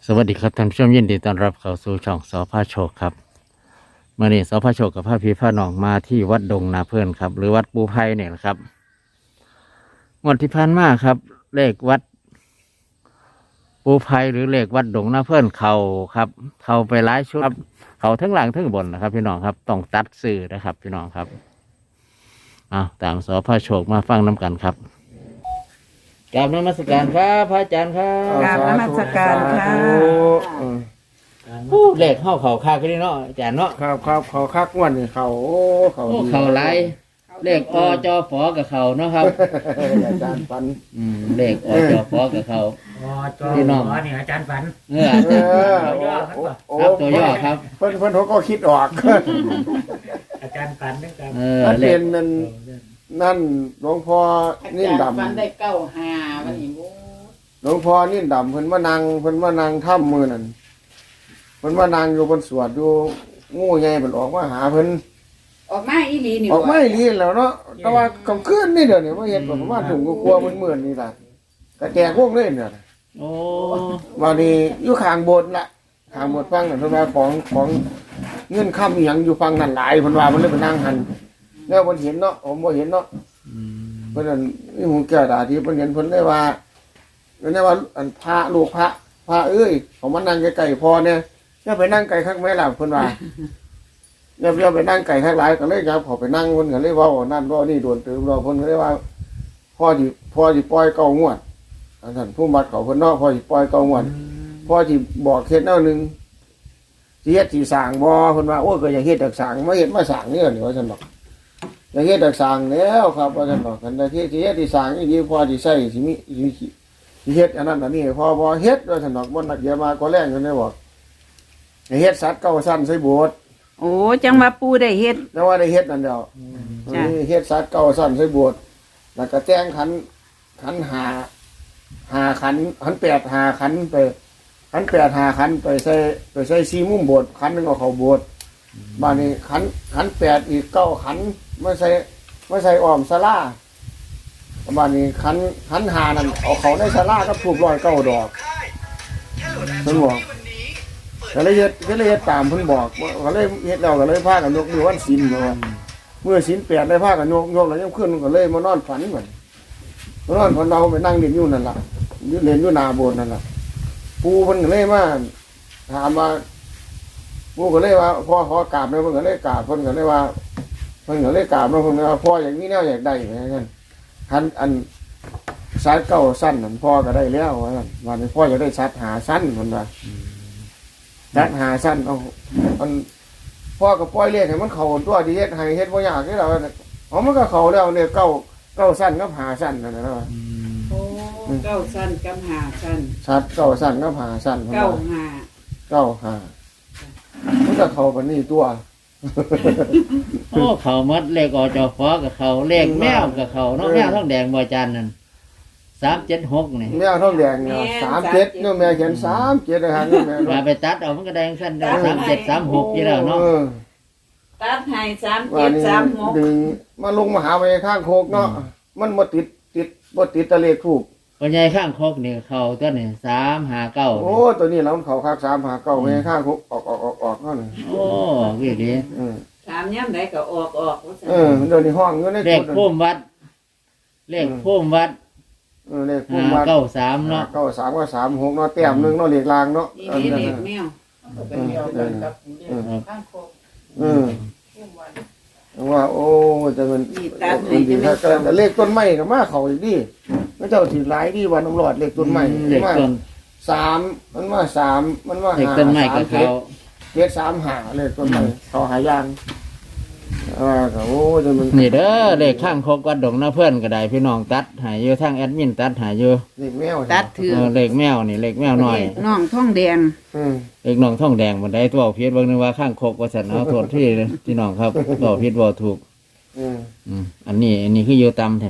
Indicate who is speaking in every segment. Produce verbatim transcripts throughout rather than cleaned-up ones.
Speaker 1: สวัสดีครับท่านผู้ชมยินดีต้อนรับเข้าสู่ช่องสอพาโชคครับเมื่อนี้สอพาโชคกับพระพี่พระน้องมาที่วัดดงนาเพื่อนครับหรือวัดปูไพเนี่ยนะครับงวดที่ผ่านมาครับเลขวัดปูไพหรือเลขวัดดงนาเพื่อนเขาครับเขาไปหลายชุดครับเขาทั้งหลังทั้งบนนะครับพี่น้องครับต้องตัดสื่อนะครับพี่น้องครับเอาตามสอพาโชคมาฟังน้ำกันครับกราบนมัสการครับพระอาจารย์ครับ
Speaker 2: กราบนมัสการค่ะ
Speaker 1: ผู้เลขเข้าเขาคาขึ้นเนาะอาจารย์เนาะ
Speaker 3: ครับครับเขาคักงวันนี่เขาโอ้เขา
Speaker 1: โอ้
Speaker 3: ดี
Speaker 1: เขาไรเลขอจอฝอกับเขาเนาะครับ
Speaker 3: อาจารย์ปัน
Speaker 1: อืมเลขอจอฝอกับเขา
Speaker 4: อ๋อจอ
Speaker 1: พี่น้อง
Speaker 4: หมอนี่อาจารย์ฝัน
Speaker 1: เอออา
Speaker 3: เอ
Speaker 1: จารย์
Speaker 3: อโอ้โอ้
Speaker 1: ครับตัวย่อครับ
Speaker 3: เพิ่นเพิ่นเขาก็คิดออก
Speaker 4: อาจารย์ฝันด้วยกัน
Speaker 1: เออ
Speaker 3: ถ้า
Speaker 1: เล
Speaker 3: เป็
Speaker 1: ข
Speaker 3: นนั่นนั่นหลวงพ่อนิ่นด
Speaker 2: ฟันได้เก้าหาวันนี้โอ้
Speaker 3: ำหลวงพ่อนิ่นดำเพิ่นมานั่งเพิ่นมานั่งถ้ำมือนั่นเพิ่นมานั่งอยู่บนสวดอยู่งูใหญ่เพิ่นออกมาหาเพิ่น
Speaker 2: ออกมาอีหลีนี่
Speaker 3: ออกไม่ลีแล้วเนาะแต่ว่ากำคืนนี่เดี๋ยวนี้ว่าเห็นประมาณถุงกลัวๆมันเหมือนนี่ล่ะกระแจกพวกเลยเนี่ย
Speaker 1: โอ้
Speaker 3: วันนี้อยู่ข้างโบสถ์ละข้างโบสถ์ฟังนั่นเพิ่นว่าของของเงื่อนค่ำอีหยังอยู่ฟังนั่นหลายเพิ่นว่ามันเลยไปนั่งหันแล้วเพิ่นเห็นเนาะผมบ่เห็นเนาะ
Speaker 1: อืม
Speaker 3: เพิ่นนั่นมีหูแก้วตาที่เพิ่นเห็นเพิ่นเลยว่าเพิ่นได้ว่าอันพระลูกพระพระเอ้ยเขามานั่งใกล้ๆพอเนี่ยอย่าไปนั่งไกลคักแม่ล่ะเพิ่นว่าอย่าอย่าไปนั่งไกลคักหลายก็เลยครับเขาไปนั่งเพิ่นก็เลยเว้านั่นเว้านี่โดนตืมเราเพิ่นก็เลยว่าพ่อสิพ่อสิปล่อยเก้างวดอันนั้นผู้บัดเขาเพิ่นเนาะพ่อสิปล่อยเก้างวด พอที่บอกเฮ็ดแนวหนึงสิเฮ็ดสิสร้างบ่เพิ่นว่าโอ้ยก็อยากเฮ็ดดักสร้างมาเฮ็ดมาสร้างนี่นี่ว่าซั่นดอกอยากเฮ็ดดักสร้างแล้วครับว่าซั่นดอกกันแต่ที่สิเฮ็ดสิสร้างอีดีพอสิใช้สิมีสิสิเฮ็ดอันนั้นอันนี้พอบ่เฮ็ดว่าซั่นดอกบ่นักเดี๋ยวมาก็แรงกันได้บอกให้เฮ็ดสัตว์เก้าชั้นใส่โบสถ์
Speaker 2: โอ้จังว่าปูได้เฮ็ด
Speaker 3: แต่ว่าได้เฮ็ดนั่นเดียว
Speaker 2: จ้ะ
Speaker 3: เฮ็ดสัตว์เก้าชั้นใส่โบสถ์แล้วก็แต่งขันขันหาหาขันขันแปดหาขันไปขันแปดหาขันไปใส่ไปใส่ซีมุมโบสถ์ขันหนึงเอาเข้าโบสถ์บ้านนี้ขันขันแปดอีกเก้าขันไม่ใส่ไม่ใส่อ้อมศาลาบ้านนี้ขันขันหานั่นเอาเขาในศาลาก็ถูกร้อยเก้าดอกเพิ่นบอกก็เลยเฮ็ดก็เลยเฮ็ดตามเพิ่นบอกก็เลยเฮ็ดแล้วก็เลยพากันยกมือวันศีลว่าเมื่อศีลแปดได้พากันยกยกแล้วยังขึ้นก็เลยมานอนฝันเหมือนมานอนฝันเราไปนั่งเล่นอยู่นั่นล่ะอยู่เล่นอยู่หน้าโบสถ์นั่นล่ะ ปูเพิ่นก็เลยมาถามว่าปูก็เลยว่าพ่อขอกราบแล้วเพิ่นก็เลยกราบเพิ่นก็เลยว่าเพิ่นก็เลยกราบแล้วเพิ่นก็ว่าพ่ออย่างนี้แนวอยากได้เหมือนกันคันอันซัดเก้าสั้นนั่นพ่อก็ได้แล้วว่าซั่นวันนี้พ่ออยากได้ซัดหาสั้นเพิ่นว่าซัดหาสั้นเอาอันพ่อก็ปล่อยเลขให้มันเข้าตัวที่เฮ็ดให้เฮ็ดบ่ยากนี่ล่ะเอามันก็เข้าแล้วเนี่ยเก้าเก้าสั้นกับหาสั้นนั่นน่ะ
Speaker 1: อืม
Speaker 2: โอ้เก้าสั้นกับหาสั้น
Speaker 3: ซัดเก้าสั้นกับหาสั้นเพิ่น
Speaker 2: เก้า
Speaker 3: ว่า
Speaker 2: หา
Speaker 3: เก้าหามันก็เข้ากันนี่ตัว
Speaker 1: โอ้เขามัดเลขอจอฝอกับเขาเลขแมวกับเขาเนาะ
Speaker 3: เออ
Speaker 1: แมวท้องแดงบ่อาจารย์นั่นสามเจ็ดหกนี่
Speaker 3: แม่ท้องแดงเนี่ยสามเจ็ดเนี่ยแม่เขียนสามเจ็ดนะฮะเนี่ยแม่
Speaker 1: มาไปตัดเอามันก็แดงสั้นได้สามเจ็ดสามหกยี่แล้วเนาะ
Speaker 3: เออ
Speaker 2: ตัดให้สาม
Speaker 3: ว่า
Speaker 2: เจ็ด
Speaker 3: นี่
Speaker 2: สามหก
Speaker 3: ดึงมาลงมาหาไปข้างโคกเนาะมันบ่ติดติดบ่ติดตะเลขถูก
Speaker 1: ปัญญาข้างคกนี่เขาตัวนี่สามหาเก้า
Speaker 3: โอ้ตัวนี้เราเขาคักสามหาเก้าไปข้างโคกออกออกออกออกเนาะนี่
Speaker 1: โอ้วิดี
Speaker 3: เออ
Speaker 2: ถามย่ำใดก็ออกออกว่าซั่น
Speaker 3: เออเดี๋ยวนี้ห้องอยู่ใน
Speaker 1: เลข
Speaker 3: กุฏิ
Speaker 1: พุ่มวัด เลขพุ่มวัด
Speaker 3: เออเลขพุ่
Speaker 1: ห้าม
Speaker 3: วัด
Speaker 1: เก้าสามเนาะ
Speaker 3: เก้าสามก็สามหกเนาะแต้มหนึงเนาะเลขลางเนาะ
Speaker 2: นี่
Speaker 3: เออ
Speaker 2: นี่
Speaker 3: นั่น
Speaker 2: เด็ก
Speaker 3: น่ะ
Speaker 2: แมว
Speaker 3: เออเออเออ
Speaker 2: ข้างโคก
Speaker 3: เออว่าโอ้จะมัน
Speaker 2: นี่ตัดให้
Speaker 3: มันดี
Speaker 2: จะ
Speaker 3: ครั
Speaker 2: ไม่
Speaker 3: บแต่เลขต้นไม้ก็มาเขาอีกดิพระเจ้าถือหลายดิวันน้ำรอดเลขต้นไม้
Speaker 1: เลข
Speaker 3: มา
Speaker 1: ต้น
Speaker 3: สามมันว่าสามมันว่า
Speaker 1: เลข
Speaker 3: หา
Speaker 1: ต้นไม้กับ
Speaker 3: สาม
Speaker 1: เขา
Speaker 3: เจ็ดสามหาเลขต้นไม้เขาหายางอ่าก็โอ้จะมัน
Speaker 1: นี่เด้อเลขข้างคกวัดดงนะเพื่อนก็ได้พี่น้องตัดใหายอยู่ทางแอดมินตัดใหายอยู่
Speaker 3: เลขแมว
Speaker 2: ตัดถือ
Speaker 1: เออเลขแมวนี่เลขแมวหน่อย
Speaker 2: น้องท้องแดง
Speaker 3: อืม
Speaker 1: เลขน้องท่องแดงบันไดตัวเพียรบางนึงว่าข้างคกว่าสันเอาโทษที่พี่น้องครับตัวเพียรบ่ถูก
Speaker 3: อืม
Speaker 1: อืมอันนี้ อันนี้คืออยู่ตำแทน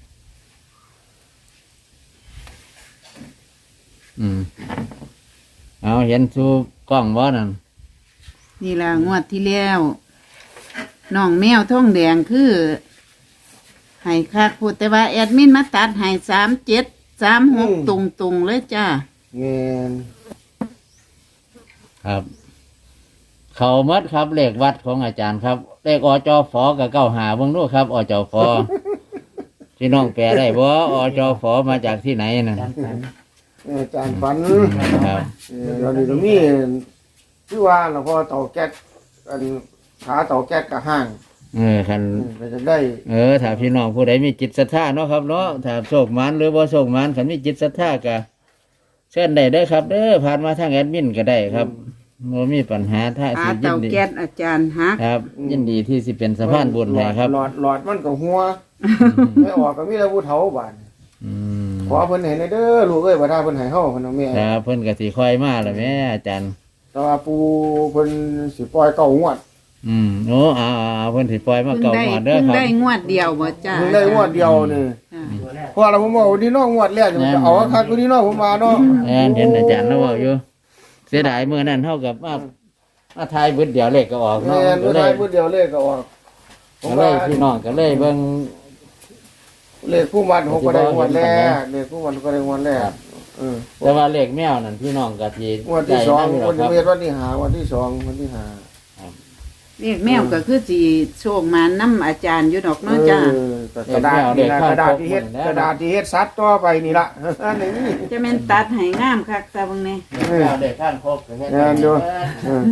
Speaker 1: อืมเอาเห็นสู่กล้องบ่นั่น
Speaker 2: นี่ล่ะงวดที่แล้วน้องแมวท้องแดงคือให้คักพูดแต่ว่าแอดมินมาตัดให้สามเจ็ดสามหกตรงตรงๆเลยจ้า
Speaker 3: เงิน
Speaker 1: ครับ เขาหมดครับเลขวัดของอาจารย์ครับเลขอจฟกับเก้าหาเบิ่งดูครับอจฟ พี่น้องแปลได้บ่อจฟมาจากที่ไหนน่ะ
Speaker 4: อาจารย์ฝัน
Speaker 3: เอออาจารย์ฝัน
Speaker 1: ครับ
Speaker 3: เออเดี๋ยวนี้ตรงนี้คือว่าเราพอเตาแก๊สอันขาเตาแก๊สกับห้าง
Speaker 1: เออคัน
Speaker 3: เออก็จะได้
Speaker 1: เออถ้าพี่น้องผู้ใดมีจิตศรัทธาเนาะครับเนาะถ้าโชคหมันหรือบ่โชคหมันคันมีจิตศรัทธาก็เชิญได้เด้อครับ เด้อผ่านมาทางแอดมินก็ได้ครับบ่มีปัญหาถ้า
Speaker 2: หา
Speaker 1: สิยิ
Speaker 2: เตาน
Speaker 1: ดี
Speaker 2: แก๊สอาจารย์ฮัก
Speaker 1: ครับ ยินดีที่สิเป็นสะพานบุญให้ครับ
Speaker 3: หลอดหลอดมันก็หัวไม่ออกก็มีแต่ผู้เฒ่าบาด
Speaker 1: อืม
Speaker 3: ขอเพิ่นให้ในเด้อลูกเอ้ยบ่ถ้าเพิ่นให้เฮาเพิ่นเอาแม่
Speaker 1: ครับเพิ่นก็สิค่อยมาแล้วแม่อาจารย์
Speaker 3: แต่ว่าปูเพิ่นสิปล่อยเก้างวด
Speaker 1: อืมโอ้อ่าๆเพิ่นสิปล่อยมา
Speaker 2: เพิ่ง
Speaker 1: เก่า
Speaker 2: ได้
Speaker 1: หมดเด้อ
Speaker 2: เพิ่ง
Speaker 1: ครับ
Speaker 2: ได้งวดเดียวบ่จ้า
Speaker 3: เพิ่งได้งวดเดียวนี่
Speaker 2: จ้ะ
Speaker 4: ตัวแรก
Speaker 3: เพราะเราผมบอกว่านี่น้องงวดแรกจะเอาคักกว่านี้น้องผมมาเนาะ
Speaker 1: แอนเห็นอาจารย์แล้วเว้าอยู่เสียดายมื้อนั้นเท่ากับมามาทายเบิดเดียวเลขก็ออก
Speaker 3: แม่
Speaker 1: เนาะ
Speaker 3: น
Speaker 1: ก็
Speaker 3: บ่
Speaker 1: เล
Speaker 3: ได้
Speaker 1: ย
Speaker 3: พูดเดียวเลขก็ออกผ
Speaker 1: ก็
Speaker 3: ม
Speaker 1: เล
Speaker 3: ว่าย
Speaker 1: พี่น้องก็เลยเบิ่ง
Speaker 3: เลขผู้มันผมก็ได้งวดแรกเลขผู้มันก็ได้งวดแรกเออ
Speaker 1: แต่ว่าเลขแมวนั่นพี่น้องก็สิ
Speaker 3: งวดที่สอง
Speaker 1: ได้
Speaker 3: งวด
Speaker 1: นำอยู่
Speaker 3: ที่
Speaker 1: หรอกครับ
Speaker 3: วันที่หาวันที่สองวันที่หา
Speaker 2: เรียกแมวก็คือสิโชคมานํอาจารย์อยู่ดอกเนาะจ้า
Speaker 3: เออกระดาษนี่นะกระดาษที่เฮ็ดกระดาษที่เฮ็ดซัดต่อไปนี่ละอันนี้
Speaker 2: จะแม่นตัดให้งามคักซะเบิ่งแน่
Speaker 1: แมวเลขข้างครบก็เฮ็ด
Speaker 3: แม่นอยู่ เออ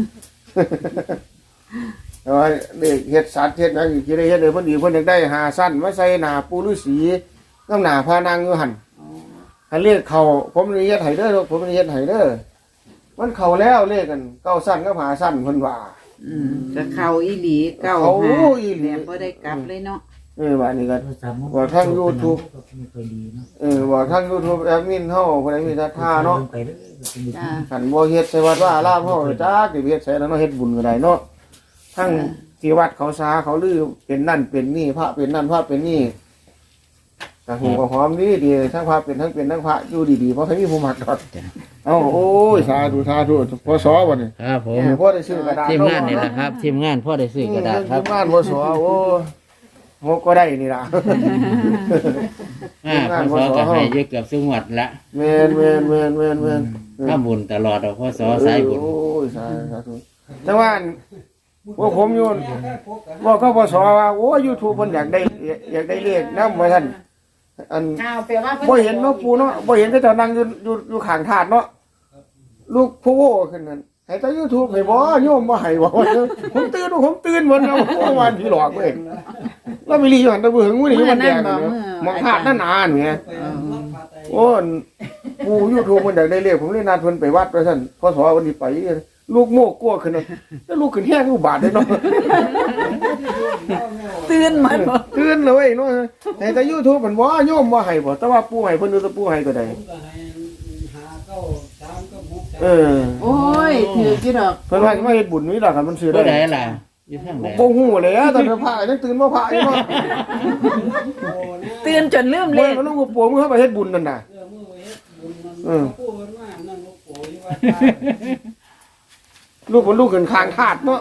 Speaker 3: แต่ว่าเด็กเฮ็ดสัตว์เฮ็ดหยังอีกที่ได้เฮ็ดเลยเพิ่นอีกเพิ่นอยากได้หาสั้นมาใส่หน้าปูฤาษีน้ำหน้าพานางอยู่หั่นให้เลขเข้าผมนี่เฮ็ดให้เด้อผมนี่เฮ็ดให้เด้อมันเข้าแล้วเลขกันเก้าสั้นกับหาสั้นเพิ่นว่า
Speaker 2: อืมก็เข้าอีหลีเก้า
Speaker 3: เข้า
Speaker 2: หา
Speaker 3: อีหลี
Speaker 2: แบบบ่ได้กลับเลยเนาะ
Speaker 3: เออว่านี่ก็
Speaker 4: ตัวสามมุก
Speaker 3: ว่าทาง YouTube
Speaker 4: ก็ไม่ค่อยดีเนาะ
Speaker 3: เออว่าทาง YouTube แอดมินเฮาผู้ใดมีศรัทธาเนาะ
Speaker 4: ไปเรื่อยๆเป็น
Speaker 2: จ้า
Speaker 3: คันบ่เฮ็ดใส่วัดว่าอารามเฮาจักสิเฮ็ดใส่แล้วเนาะเฮ็ดบุญก็ได้เนาะทั้งที่วัดเขาซาเขาลือเป็นนั่นเป็นนี่พระเป็นนั่นพระเป็นนี่ กระหูกระหอมดีดีทั้งพระเป็นทั้งเป็นทั้งพระอยู่ดีๆเพราะใครมีผู้มักดอกเอ้าโอ้ยสาธุสาธุพอสอบ่นี่
Speaker 1: ครับผม
Speaker 3: พ่อได้ซื้อกระดาษ
Speaker 1: ทีมงานนี่แหละครับ ทีมงานพ่อได้ซื้อกระดาษครับ
Speaker 3: ทีมงานพอสอโอ้โหก็ได้นี่ล่ะ
Speaker 1: อ่าพ่อสอก็ให้เยอะเกือบสุงวัดละ
Speaker 3: แม่นแม่นแม่นแม่นแม่น
Speaker 1: ถ้าบุญตลอดเอาพ่อสอสายบุญ
Speaker 3: โอ้ยสาธุแต่ว่าพวกผมอยู่บอกเขาพอสอว่าโอ้ย YouTube เพิ่นอยากได้อยากได้เลขนำว่าซั่นอัน
Speaker 2: อ้าวแปลว่า
Speaker 3: บ่เห็นเนาะปูเนาะบ่เห็นก็เจ้านั่งอยู่อยู่อยู่ข้างถาดเนาะลูกผู้โว้ขึ้นนั่นให้แต่ YouTube ให้บ่โยมบ่ให้บ่ว่าผมตื่นผมตื่นหมดแล้วโอ้วันพี่หลอกเว้ยแล้วมีลีอยู่หั่นตะเบึงมื้อนี้มันแดงเนาะมองถาดนั่นนานแหมโอ้ปู YouTube มันอยากได้เลขผมเลยนัดเพิ่นไปวัดว่าซั่นพศวันนี้ไปลูกโมกกลัวขึ้นเนาะแล้วลูกขึ้นแห้งอุบาทเลยเนาะ
Speaker 2: ตื่นมาบ่
Speaker 3: ตื่นเลยเนาะให้แต่ YouTube มันบ่โยมบ่ให้บ่แต่ว่าปู่ให้เพิ่นดูแต่ปู่ให้ก็ได้เออ
Speaker 2: โอ้ยถือกี่ดอก
Speaker 3: เพิ่นว่าสิมาเฮ็ดบุญนี่ล่ะคันมันซื้อ
Speaker 1: ผู้ใด
Speaker 3: ได้
Speaker 1: ล่ะอยู่ทางไหน
Speaker 3: บ่ฮู้เลยอะตอนเพิ่นพระยังตื่นบ่พระอยู่เนาะ
Speaker 2: ตื่นจนลืมเล
Speaker 3: เมื่อ
Speaker 2: ข
Speaker 3: มันลูกปู่มึงเข้าไปเฮ็ดบุญนั่นน่ะเออลูกมันลูกขึ้นคางธาตุเนาะ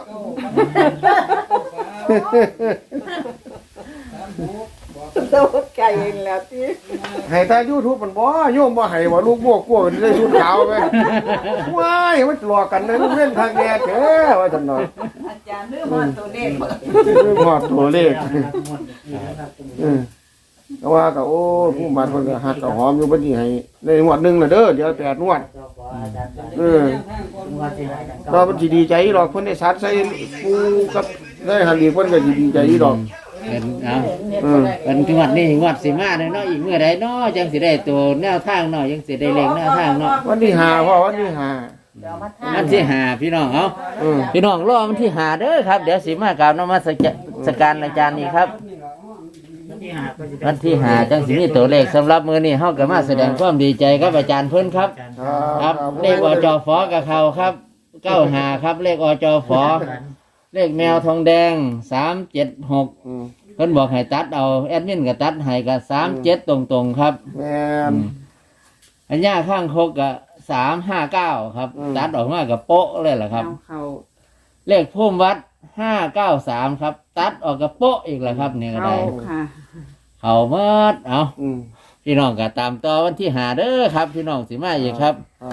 Speaker 2: โตไก่แล้วติ
Speaker 3: ให้แต่ YouTube มันบ่โยมบ่ให้บ่ลูกโมกกลัวมันได้ชุดขาวไปว้ายมันหลอกกันเลยลูกเล่นทางแก่แท้ว่าซั่นเนาะ
Speaker 2: อาจารย์ลืมว่าตัวเลขบ่
Speaker 3: ลืมฮอดตัวเลข
Speaker 4: หมดนะครับ
Speaker 3: เออแต่ว่าก็โอ้ผู้มันเพิ่นก็ฮักก็หอมอยู่บัดนี้ให้ได้งวดหนึงแล้วเด้อเดี๋ยวแปดงวดเออเราเพิ่นสิดีใจดอกเพิ่นได้สัตว์ใส่ปูกับได้หันอีกเพิ่นก็สิดีใจดอก
Speaker 1: เป็นเอา
Speaker 3: เออ
Speaker 1: เป็นงวดนี้งวดสิมาเนาะอีกเมื่อใดเนาะจังสิได้ตัวแนวทางเนาะยังสิได้เลขแนวทางเนาะ
Speaker 3: วันที่ห้าพ่อวันที่ห้า
Speaker 1: วันที่หาพี่น้องเอา
Speaker 3: เออ
Speaker 1: พี่น้องรอวันที่หาเด้อครับเดี๋ยวสิมากราบนมัสการอาจารย์นี่ครับ
Speaker 4: วันที่ห้าก็จะได้
Speaker 1: วันที่หาจังสิมีตัวเลขสำหรับมื้อนี้เฮาก็มาแสดงความดีใจกับอาจารย์เพิ่นครับ ครับเลขอจฟกับเขาครับเก้าหาครับเลขอจฟเลขแมวทองแดงสามเจ็ดหก
Speaker 3: อืม
Speaker 1: เพิ่นบอกให้ตัดเอาแอดมินก็ตัดให้ก็สามเจ็ดตรงๆครับ
Speaker 3: แม่น
Speaker 1: อันย่าข้างคกก็สามห้าเก้าครับ
Speaker 3: อืม
Speaker 1: ตัดออกมากับโป๊ะเลยล่ะครับ
Speaker 2: เอาเข้า
Speaker 1: เลขพุ่มวัดห้าเก้าสามครับ ตัดออกกับโป๊ะอีกแล้วครับนี่ก็
Speaker 2: เข้า
Speaker 1: ได้
Speaker 2: ค่ะ
Speaker 1: เขาเมิดเอา
Speaker 3: อืม
Speaker 1: พี่น้องก็ตามต่อวันที่หาเด้อครับ พี่น้องสิมาอีกครับ
Speaker 3: อ่า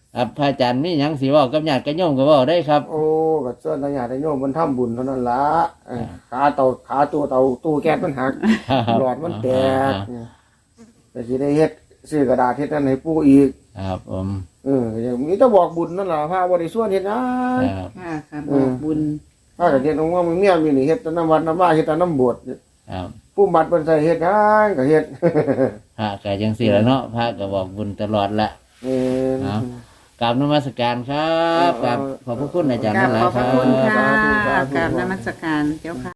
Speaker 1: ครับพระอาจารย์มีหยังสิเว้ากับญาติกับโยมก็เว้าได้ครับ
Speaker 3: โอ้ก็ส่วนญาติโยมมันทำบุญเท่านั้นละเออขาเตาขาตัวเตาตู้แก๊สมันหัก หลอดมันแตกแต่สิได้เฮ็ดซื้อกระดาษเฮ็ดนั่นให้ปู่อีก
Speaker 1: ครับผม
Speaker 3: เอออย่างนี้ต้องบอกบุญนั่นล่ะพาบ่ได้ส่วนเฮ็ดหยัง
Speaker 1: ครับ
Speaker 2: ค่ะค่ะบอกบุญ
Speaker 3: ถ้าก็เฮ็ดของว่ามึงเมียมีนี่เฮ็ดแต่น้ำวัดน้ำว่าเฮ็ดแต่น้ำบวช
Speaker 1: ครับ
Speaker 3: ผู้บัดเพิ่นใส่เฮ็ดหยังก็เฮ็ด
Speaker 1: พระก็จังซี่ละเนาะพระก็บอกบุญตลอดละ
Speaker 3: เออ
Speaker 1: ครับกราบนมัสการครับกราบขอบพระคุณอาจารย์
Speaker 2: กรา
Speaker 1: นั่
Speaker 2: บ
Speaker 1: นแหละ
Speaker 2: ขอบ
Speaker 1: ค
Speaker 2: พ
Speaker 1: รั
Speaker 2: ระคุณ
Speaker 1: บ
Speaker 2: ค่ะ
Speaker 3: สาธุสาธุ
Speaker 2: กราบนมัสการเจ้าค่ะ